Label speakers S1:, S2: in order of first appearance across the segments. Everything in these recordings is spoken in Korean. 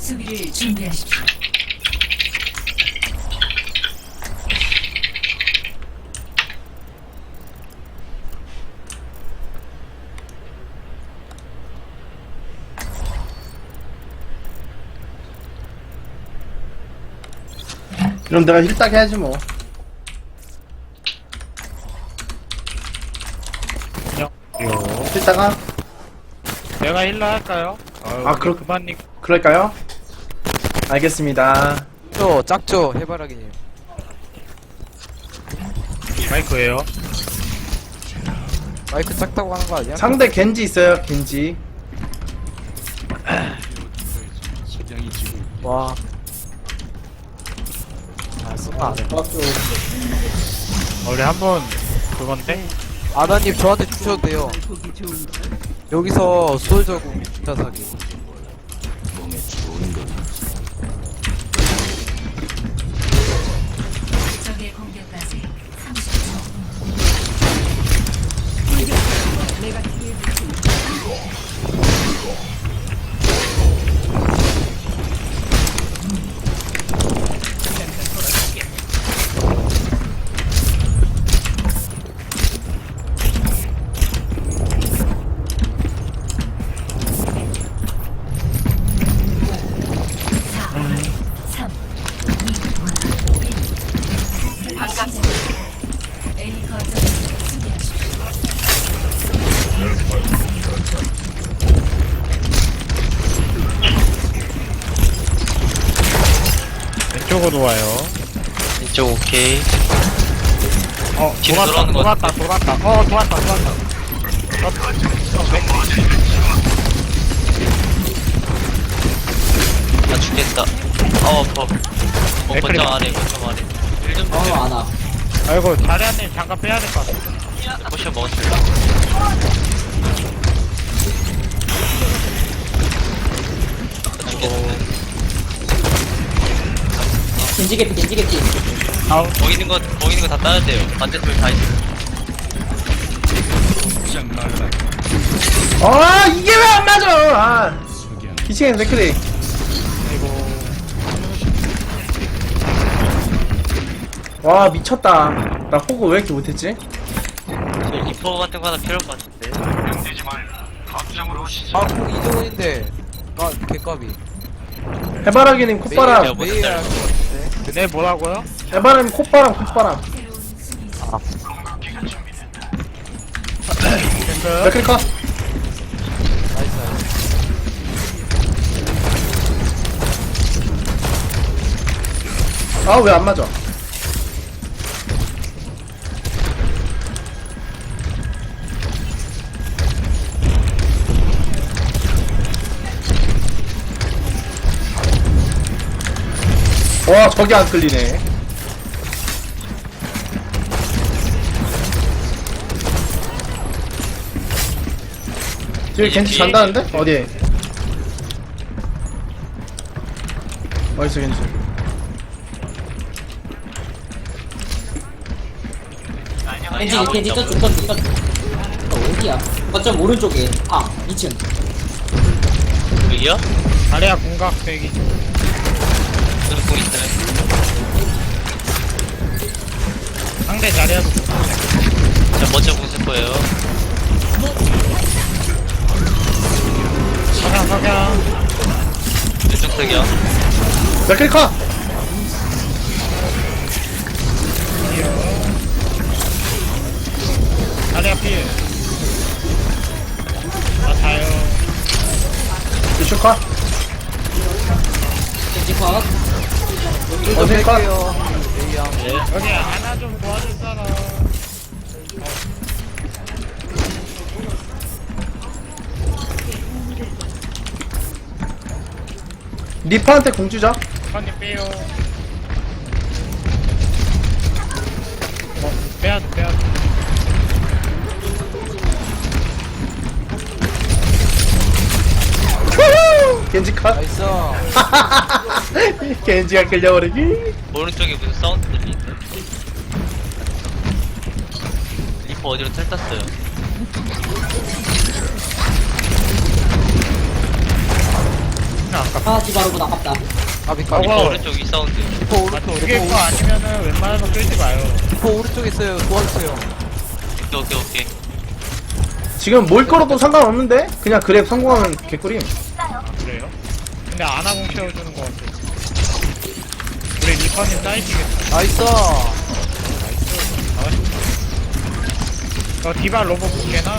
S1: 수비를 준비하십시오.
S2: 그럼 내가 힐딱 해야지 뭐.
S3: 요.
S2: 힐딱아?
S3: 내가 힐러 할까요?
S2: 아, 그렇-
S3: 그만님.
S2: 그럴까요? 알겠습니다.
S4: 짝죠 해바라기님.
S3: 마이크예요.
S4: 마이크 작다고 하는 거 아니야?
S2: 상대 겐지 있어요, 겐지.
S4: 와. 아, 쓰면 안 해.
S3: 우리 한번 그건데?
S4: 아나님 저한테 주셔도 돼요. 여기서 솔저공 주차 사기.
S1: 적의 공격까지 30초. A 거점을 수비하십시오.
S3: 왼쪽으로 와요.
S5: 이쪽 오케이. 뒤로
S3: 돌았다,
S5: 돌아오는 거
S3: 돌았다, 돌았다. 돌았다.
S5: 나 죽겠다. 아파.
S3: 맥크리.
S5: 거점 안에. 1점 주세요.
S3: 아이고, 자리한님 잠깐 빼야 될 것 같아.
S5: 포션 먹었어요. 나 죽겠는데.
S6: 겐지개피
S3: 아우,
S5: 보이는 거 다 따야 돼요. 반대쪽에 다 있어요.
S2: 아, 이게 왜 안 맞아! 아. 2층에 맥크리. 와, 미쳤다. 나 호구 왜 이렇게 못했지?
S5: 저 리퍼 같은 거 하나 필요할 것 같은데.
S4: 아, 꼭 이정원인데. 아, 개값이.
S2: 해바라기님 콧바람.
S5: 메이야.
S4: 매일 할것 같은데.
S3: 네, 뭐라고요?
S2: 해바라님 콧바람.
S1: 새로운 수비
S3: 탱크.
S2: 맥크리 컷.
S4: 나이스, 나이스.
S2: 아, 왜 안 맞아? 와, 저기 안 끌리네. 저기 겐지 잔다는데? 어디에? 어딨어, 겐지?
S6: 겐지 저쪽 어디야? 거점 오른쪽에 2층
S5: 여기요?
S3: 자리야 공각 대기.
S5: 저도 공 있어요.
S3: 상대 자리야도
S5: 자, 먼저 공 쓸 거예요.
S3: 석양.
S5: 왼쪽 석이요.
S2: 맥크리 컷!
S3: 자리야 필. 자요.
S2: 루슈 컷!
S6: 겐지 컷
S2: 어디 컷?
S3: 여기 하나 좀 도와줄 사람.
S2: 리퍼한테 공 주자.
S3: 선님 빼요. 빼야돼.
S2: 겐지 컷.
S4: 나이스.
S2: 겐지가 끌려버리기.
S5: 오른쪽에 무슨 사운드 들리는데? 리퍼 어디로 텔 탔어요?
S3: 아,
S6: 아 디바로군 아깝다.
S4: 아비
S3: 어.
S5: 리퍼 오른쪽 이 사운드.
S4: 리퍼
S3: 아,
S4: 오른쪽
S3: 두 개일
S4: 리퍼
S3: 거 아니면은 웬만해서 끌지 마요.
S4: 리퍼 오른쪽에 있어요. 도와주세요.
S5: 오케이.
S2: 지금 뭘 걸어도 상관없는데? 그냥 그랩 성공하면 개꿀임.
S3: 그래요? 근데 아나공 채워주는 거 같아. 우리 리퍼님 사이트겠다.
S4: 나이스.
S3: 저 디바 로봇 볼게나?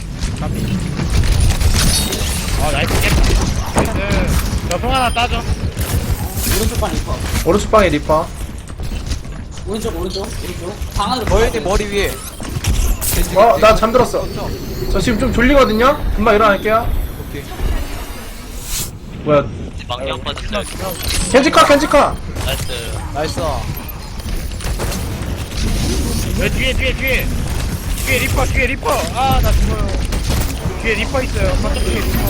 S3: 나이스 깼다. 나이스. 저송 하나 따져.
S6: 오른쪽 방 리퍼.
S2: 오른쪽 방에 리퍼.
S6: 오른쪽. 방 안으로.
S4: 거인이 머리 위에.
S2: 나 잠들었어. 저 지금 좀 졸리거든요? 금방 일어날게요.
S4: 오케이.
S2: 뭐야.
S5: 망령 빠졌어요.
S2: 켄지카!
S5: 나이스.
S4: 나이스.
S3: 왜 뒤에 리퍼 리퍼. 아 나 죽어요. 뒤에 리퍼 있어요. 바깥 뒤에 리퍼.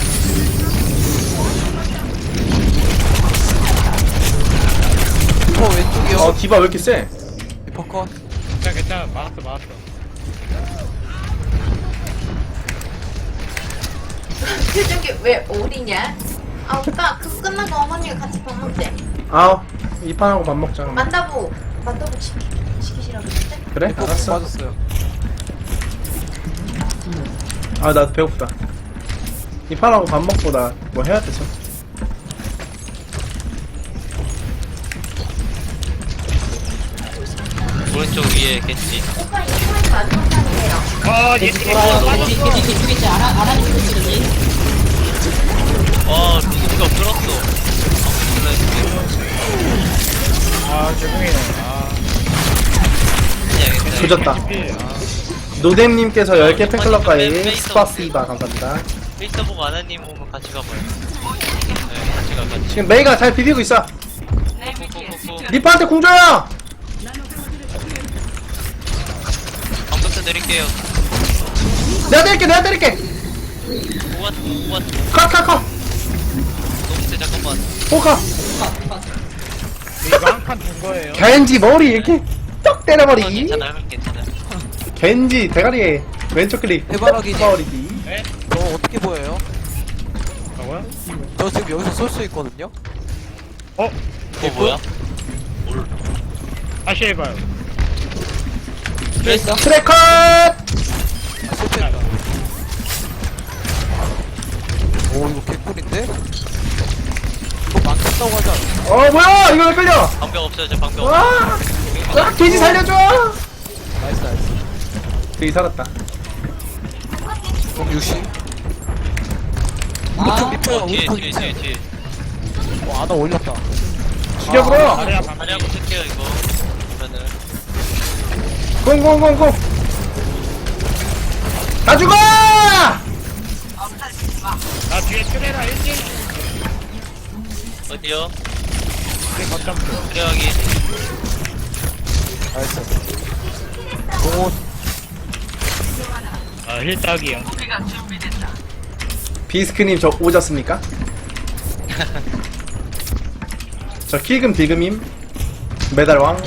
S4: 리퍼 왼쪽이요.
S2: 디바 왜 이렇게 세?
S4: 리퍼 컷.
S3: 괜찮아. 막았어.
S7: 표정이 왜 어디냐? 아 오빠 그거 끝나고 어머니가 같이 밥 먹재.
S2: 이 판하고 밥 먹자.
S7: 만다보 시키시라고 했는데?
S2: 그래?
S4: 리퍼
S2: 알았어.
S4: 빠졌어요.
S2: 나 배고프다. 이 판하고 밥 먹고 나 뭐 해야 되죠?
S5: 오른쪽 위에 겐지.
S7: 오빠 이거만 마지막 판이에요.
S3: 얘
S6: 돌아요. 겐지 죽겠지. 아라니 죽겠지.
S5: 루시가 끌었어.
S3: 죄송해요.
S5: 그냥
S2: 조졌다. 노뎀님께서 10개 팬클럽 가입 스파시바 감사합니다.
S5: 페이스북 아나님 오면 같이 가봐요. 네, 같이 가.
S2: 지금 메이가 잘 비비고 있어.
S5: 꾹꾹꾹꾹.
S2: 리퍼한테 공줘요!
S5: 방금부터 내릴게요.
S2: 내가 때릴게!
S5: 우와.
S2: 컷!
S5: 너무 세, 잠깐만.
S2: 포카!
S3: 이거 한 판 준 거예요.
S2: 겐지 머리 이렇게 떡 때려버리기.
S5: 괜찮아요.
S2: 겐지 대가리에 왼쪽 클릭
S4: 해바라기지.
S2: 버리기.
S3: 네?
S4: 저 어떻게 보여요?
S3: 뭐고요?
S4: 저 지금 여기서 쏠 수 있거든요.
S5: 뭐야?
S3: 다시 해봐요.
S6: 됐어.
S2: 트래컷!
S4: 실패했다. 오 이거 개꿀인데? 이거 많겠다고 하지 않아?
S2: 뭐야 이거 왜 끌려?
S5: 방벽 없어요. 저 방벽.
S2: 와! 겐지 살려줘!
S4: 나이스.
S2: 되게 살았다.
S4: 그럼 60.
S6: 아
S4: 리퍼야
S5: 뒤에
S4: 오른쪽
S5: 뒤에.
S4: 2층. 아나 올렸다.
S2: 죽여버려!
S3: 다리야 방금.
S5: 다리하고 쓸게요 이거. 그러면은
S2: 공공공공! 다 죽어!
S3: 나 뒤에 트레라 1등.
S5: 어디요?
S3: 거점.
S5: 그래야기.
S4: 나이스. 오
S3: 힐딱이요.
S2: 비스크님 저 오졌습니까? 저 킬금 비금임 메달왕.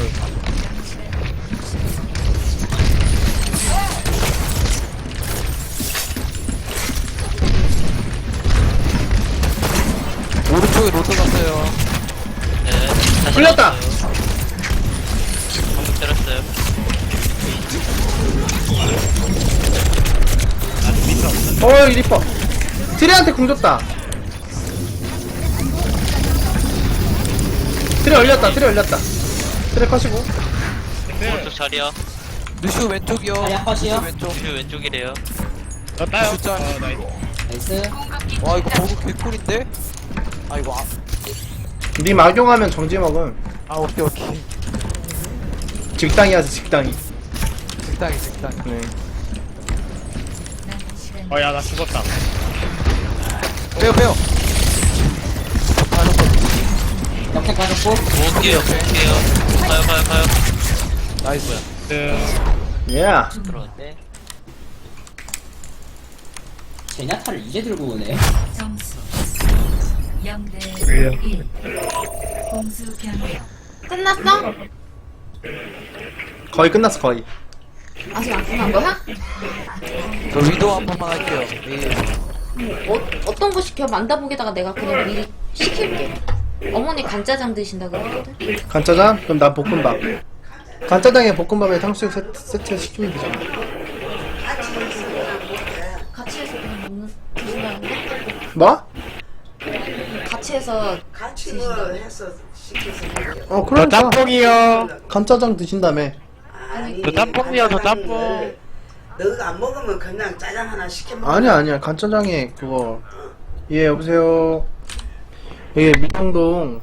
S4: 오른쪽에 로드 갔어요.
S5: 네. 다시
S2: 풀렸다.
S5: 나왔어요. 방금 때렸어요.
S2: 이 리퍼. 트레한테 궁 줬다. 트레 올렸다. 트레 컷이고.
S5: 오른쪽 자리야.
S4: 루시오 왼쪽이요.
S6: 자리 컷이요?
S4: 루시오 왼쪽.
S5: 루시 왼쪽이래요.
S3: 너 따요.
S4: 숫자.
S3: 나이스.
S6: 나이스.
S4: 와 이거 버그 개꿀인데? 아 이거
S2: 님 악용하면 정지 먹음.
S4: 오케이.
S2: 직당이야지 직당이.
S4: 직당이.
S2: 네.
S3: 야, 나 죽었다.
S4: 빼요.
S6: 역행 빠졌고.
S5: 모을게요. 가요.
S4: 나이스.
S2: 예.
S5: 들어왔네.
S6: 제냐타를 이제 들고 오네.
S1: 점수 0대 1. 공수 변경.
S7: 끝났어?
S2: 거의 끝났어 거의.
S7: 아직 안 끝난 거야?
S4: 저 위도 한 번만 할게요.
S7: 어떤 거 시켜? 만다복에다가 내가 그냥 미리 시킬게. 어머니 간짜장 드신다 그러거든?
S2: 간짜장? 그럼 난 볶음밥. 간짜장에 볶음밥에 탕수육 세트 시키면 되잖아.
S7: 같이 해서 그냥 드신다는데?
S2: 뭐?
S7: 같이 해서
S8: 같이 뭐 해서 시켜서 먹어요.
S3: 저
S2: 그러니까
S3: 짬뽕이요.
S2: 간짜장 드신다며.
S8: 아니,
S3: 저 짬뽕이요, 저 짬뽕.
S8: 너가 안 먹으면 그냥 짜장 하나 시켜 먹어.
S2: 아니야 간짜장에 그거. 예 여보세요. 예 밀양동.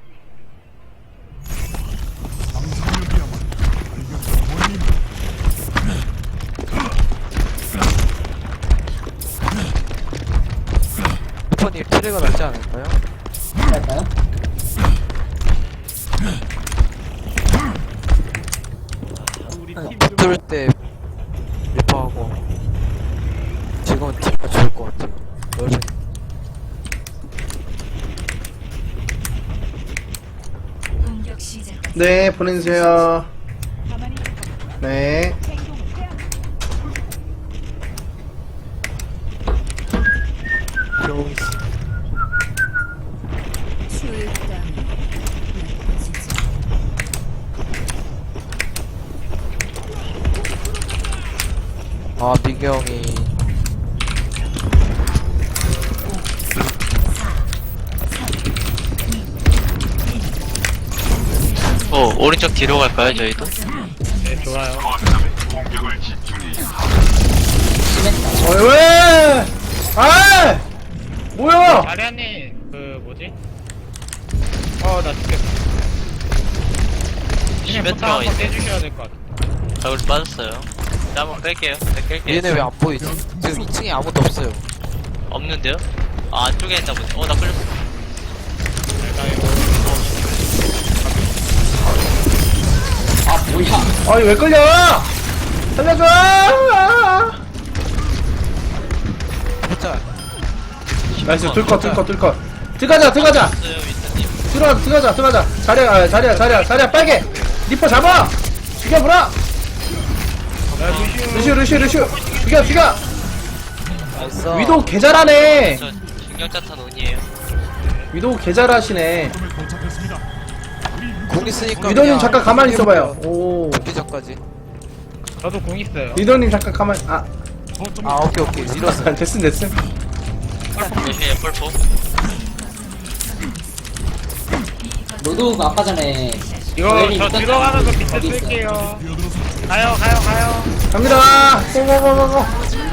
S4: 리퍼님 트레가 낫지 않을까요?
S6: 할까요?
S4: 붙을 때 리퍼하고 지금은 트레가 좋을 것 같아요. 여전히.
S1: 공격 시작.
S2: 네 보내주세요. 네.
S4: 아 민경이
S5: 오른쪽 뒤로 갈까요 저희도?
S3: 네, 좋아요.
S2: 왜? 아! 뭐야?
S3: 자리아님, 그, 뭐지? 나 죽겠어. 그냥
S5: 시메트라가
S3: 포탑 한번
S5: 있네.
S3: 떼주셔야 될 것 같아.
S5: 저걸 빠졌어요. 자, 한번 뺄게요. 네, 뺄게요.
S4: 얘네 왜 안 보이지? 지금 2층에 아무도 없어요.
S5: 없는데요? 아, 안쪽에 있나 보네. 나 끌렸어.
S3: 내가 이거.
S6: 아 뭐야?
S2: 아니 왜 끌려? 살려줘!
S4: 진짜
S2: 나이스 들컷 들어가자
S5: 있어요, 윈스님.
S2: 들어가자 자리야 빨개 리퍼 잡아 죽여보라 루시오 죽여
S4: 나이스.
S2: 위도우 개잘하네
S5: 저 신경자탄 온이에요.
S2: 위도우 개잘하시네
S4: 공 있으니까
S2: 위도우님 잠깐 가만히 있어봐요 오
S4: 기적까지.
S3: 저도 공 있어요.
S2: 위도우님 잠깐 가만히
S4: 아 오케이 밀었어.
S2: 됐음
S5: 조심해요, 펄포.
S6: 로드가 아까 전에
S3: 이거
S6: 저희는
S3: 저
S6: 있었잖아요.
S3: 들어가는 거 밑에
S6: 거기 있어요.
S3: 쓸게요. 가요.
S2: 갑니다 고고고고고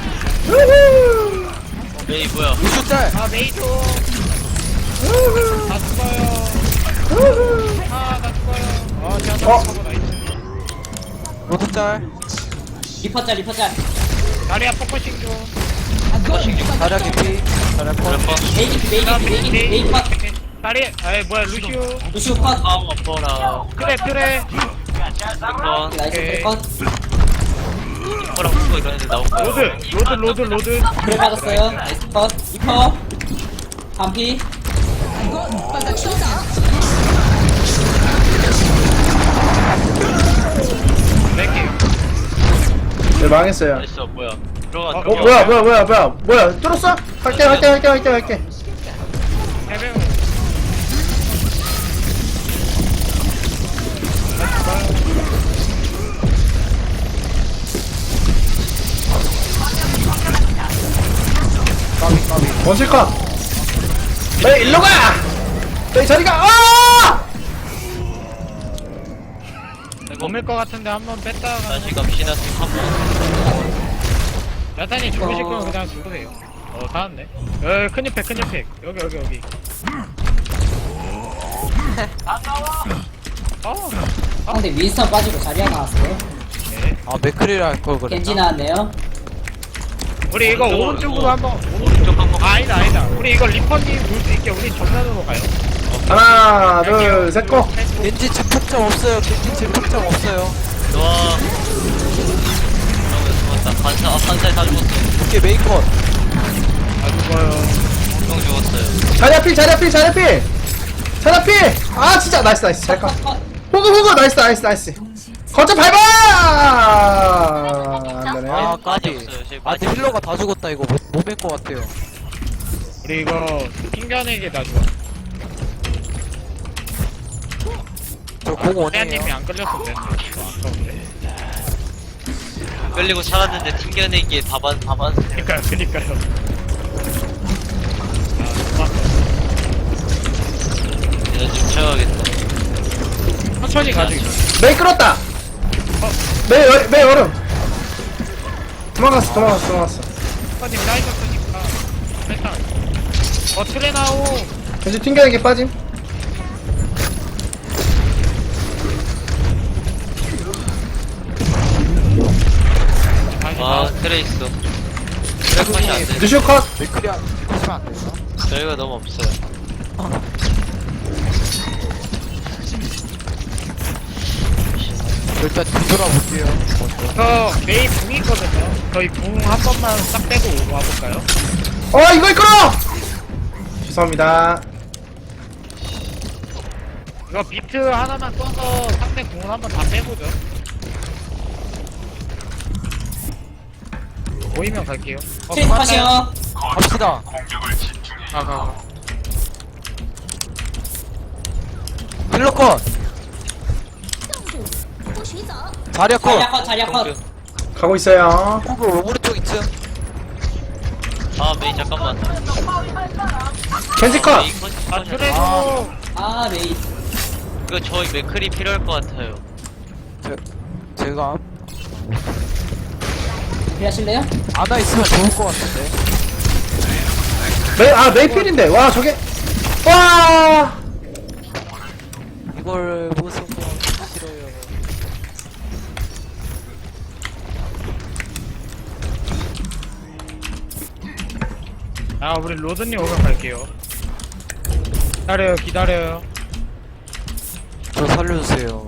S5: 메이 뭐야?
S4: 루슈 짤.
S3: 아, 메이저. 다 죽어요. 다 죽어요. 제가
S2: 어?
S3: 잡고 나이스.
S4: 로드 짤.
S6: 리퍼짤
S3: 다리야 포커싱 좀.
S4: 다리아 깊이. 다리아 컷.
S5: 펄포.
S6: 메이기 컷
S3: 다리, 뭐야, 루시오.
S6: 루시오 컷
S5: 아, 어퍼라.
S3: 트레.
S5: 한번
S6: 나이스
S3: 오케이.
S6: 컷
S5: 펄랑 붙고 이런 애들 나올 거예요.
S3: 로드.
S6: 그래 맞았어요 나이스 컷 리퍼 반피
S3: 뺄게요.
S2: 네 망했어요
S5: 나이스, 뭐야? 들어가.
S2: 뭐야 뚫었어? 할게
S3: 해병.
S2: 원실컷 왜 일로 가! 내 자리가
S3: 몸일 것 같은데 한번 뺐다가.
S5: 다시 갑시다. 한번.
S3: 야탄이 죽으실 거면 그냥 죽으세요. 살았네. 큰 옆에. 여기.
S6: 상대 윈스턴 빠지고 자리아 나왔어요
S3: 네.
S4: 아 맥크리를 할 걸 그랬나?
S6: 겐지 나왔네요
S3: 우리 이거 오른쪽으로 한번.
S5: 오른쪽 한번.
S3: 아니다. 우리 이거 리퍼님 볼 수 있게 우리 정면으로 가요.
S2: 하나 둘셋고
S4: 겐지 집착점 없어요. 겐지 집착점 없어요.
S5: 좋아. 죽었다. 반사에 다 죽었어.
S4: 오케이 메인 컷.
S3: 다 죽어요.
S5: 형 죽었어요.
S2: 자리야 필 아 진짜 나이스 잘가 호그 나이스 거점 밟아 안되네
S4: 아 까비.
S5: 없어요.
S4: 아 근데 힐러가 다 죽었다 이거 못 뺄 것 같아요.
S3: 우리 이거 튕겨내기 나 좋아.
S4: 저공
S3: 태아님이
S4: 원해요.
S3: 안 끌렸으면 됐어. 아까운데.
S5: 끌리고 살았는데 튕겨내기에 답안.
S3: 그니까요. 아,
S5: 내가 좀 채워야겠다.
S3: 천천히 가지고.
S2: 메이 끌었다. 메이 얼음. 도망갔어.
S3: 선님 라인 없으니까. 일단. 트레나오.
S2: 왠지 튕겨내기 빠짐.
S5: 아, 트레이스. 트레이스 안 돼.
S2: 루시오 컷.
S4: 맥크리 하시면 안 돼요?
S5: 저희가 너무 없어요.
S4: 일단 뒤돌아볼게요. 먼저.
S3: 저 메이 궁 있거든요. 저희 궁 한 번만 싹 빼고 와볼까요?
S2: 이걸 끌어. 죄송합니다.
S3: 이거 비트 하나만 써서 상대 궁을 한번 다 빼보죠. 보이면 갈게요.
S6: 트레이스 컷이요.
S4: 갑시다.
S3: 가.
S4: 힐러 컷. 자리야 컷.
S6: 자리야 컷, 자리야 컷.
S2: 가고 있어요.
S4: 호그 오른쪽 2층.
S5: 아, 메이 잠깐만.
S2: 겐지 컷.
S5: 메이 컷.
S3: 아, 트레도.
S6: 아, 메이.
S5: 이거 저희 맥클이 필요할 것 같아요.
S4: 제가
S6: 그래 하실래요?
S4: 아나 있으면 좋을 것 같은데.
S2: 메이 필인데. 와 저게. 와.
S4: 이걸 못 쓰고 싫어요.
S3: 아, 우리 로드님 오면 갈게요. 기다려요.
S4: 저 살려주세요.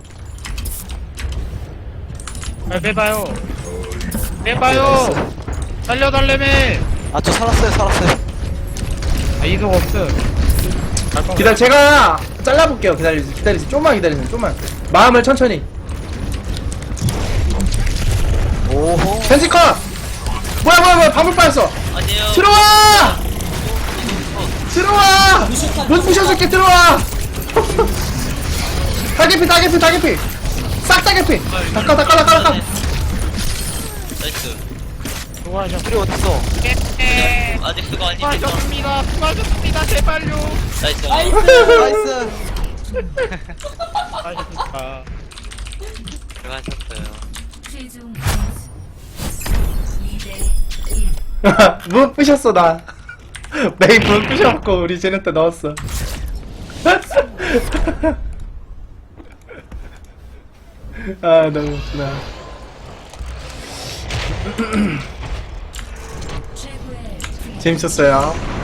S3: 빼봐요. 살려달래매.
S4: 아 저 살았어요.
S3: 아, 이속 없음.
S2: 기다려. 제가 잘라볼게요. 기다리세요. 좀만 기다리세요. 좀만. 마음을 천천히.
S4: 오호.
S2: 겐지 컷. 뭐야. 밤을 빠졌어.
S5: 아니에요.
S2: 들어와. 못 부셔줄게. 들어와. 다개피. 싹 다개피. 닦아.
S5: 나이스.
S3: 수고하셨.
S4: 우리 어딨어?
S5: 아직 수고 아닙니다.
S3: 수고하셨습니다. 제발요.
S5: 나이스.
S6: 나이스.
S4: 나이스.
S3: 수고하셨습니다.
S5: 들어가셨어요.
S1: 최종 점수 2대
S2: 못 부셨어 나. 메이 못 부셔갖고 우리 제네타 넣었어. 아 너무 웃기다.
S1: 최고의
S2: 재밌었어요.